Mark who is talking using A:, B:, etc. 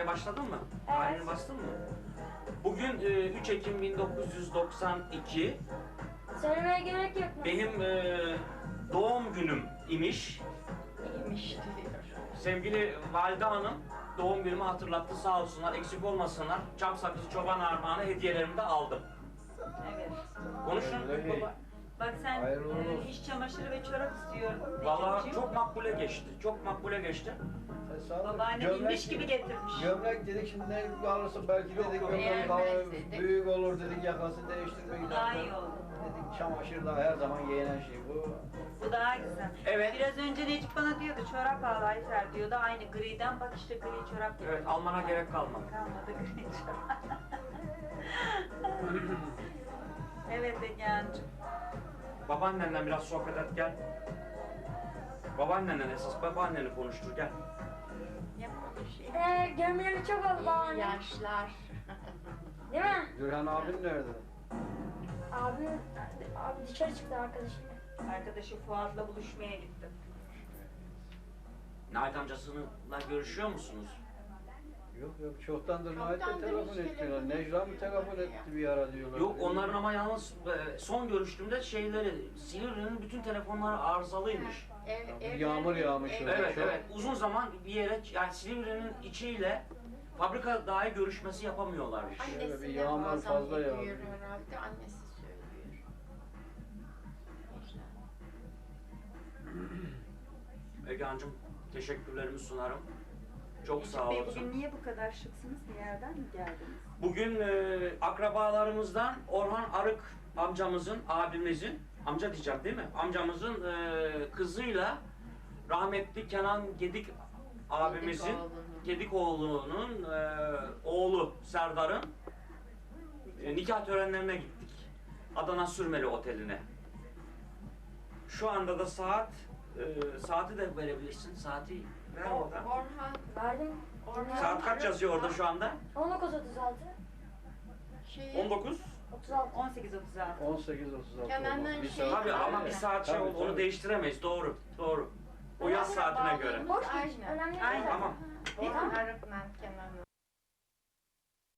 A: başladın mı?
B: Evet.
A: Tarihine bastın mı? Bugün 3 Ekim 1992.
B: Söylemeye gerek yok mu?
A: Benim doğum günüm imiş.
C: İyiymiş diyor.
A: Sevgili Valide Hanım doğum günümü hatırlattı, sağ olsunlar, eksik olmasınlar. Çam sakızı, çoban armağanı hediyelerimi de aldım.
C: Evet.
A: Konuşun.
C: Baba, bak sen
D: Hayırlı uğurlu olsun.
C: iş çamaşırı ve çorap istiyordun.
A: Vallahi
C: Necipciğim.
A: çok makbule geçti. Çok makbule geçti.
C: Babaannem inmiş gibi getirmiş.
D: Gömlek dedik şimdi ne alırsın belki dedik gömlek
C: Beğenmez
D: daha
C: dedik.
D: büyük olur dedik yakası değiştirmek
C: Daha iyi oldu.
D: Dedik çamaşır da her zaman giyinen şey bu.
C: Bu daha güzel.
A: Evet.
C: Biraz önce Necip bana diyordu çorap al Ayfer diyordu. Aynı griden bak işte gri çorap getirmiş.
A: Evet, almana gerek kalmadı.
C: Kalmadı gri çorap. Evet Egehan'cığım.
A: Babaannenle biraz sohbet et gel. Babaannenle esas babaanneni konuştur gel.
C: Yapma bir şey.
B: Gömleği çok oldu babaanne.
E: Yaşlar.
B: Değil mi?
D: Gürhan abin nerede?
B: Abi dışarı çıktı arkadaşım.
C: Arkadaşı Fuat'la buluşmaya gitti.
A: Nait amcasıyla görüşüyor musunuz?
D: Yok çoktandır Nait'e
E: Çoktandır
D: telefon
E: hiç
D: etmiyorlar.
E: telefon
D: Necla mı telefon etti bir ara diyorlar.
A: Yok, onların ama yalnız son görüştüğümde Silivri'nin bütün telefonları arızalıymış.
D: Yağmur yağmış orada.
A: Evet,
D: çok.
A: evet. Uzun zaman bir yere, yani Silivri'nin içiyle fabrika dahi görüşmesi yapamıyorlarmış.
D: Şöyle bir
E: Annesi de
D: yağmur
E: bazen
D: fazla
E: ediyor
D: yağıyor.
E: herhalde. Annesi söylüyor.
A: Egehan'cığım teşekkürlerimi sunarım. Çok
C: Necip
A: sağ
C: Bey
A: olasın.
C: bugün niye bu kadar şıksınız? Bir yerden mi geldiniz?
A: Bugün akrabalarımızdan Orhan Arık amcamızın, abimizin, amca diyeceğim değil mi? Amcamızın kızıyla rahmetli Kenan Gedik abimizin, Gedikoğlu'nun oğlu Serdar'ın nikah törenlerine gittik. Adana Sürmeli Oteli'ne. Şu anda da saati de verebilirsin. Saati ver orada.
E: Orhan.
B: Verdim.
A: Saat kaç yazıyor orada şu anda?
B: 19.36.
A: 19.
B: 36.
C: 18.36.
D: 18.36
E: Kenan'dan
D: olmaz. Bir
E: şey-
D: saat-
A: Tabii ama bir saat şey
D: Tabii,
A: oldu, onu
D: tabii.
A: değiştiremeyiz. Doğru, doğru. O yaz saatine göre.
B: Boş geç.
E: Aynen.
B: Önemli değil.
C: Aynen.
A: Tamam.
E: Orhan Arık'la Kenan'ı.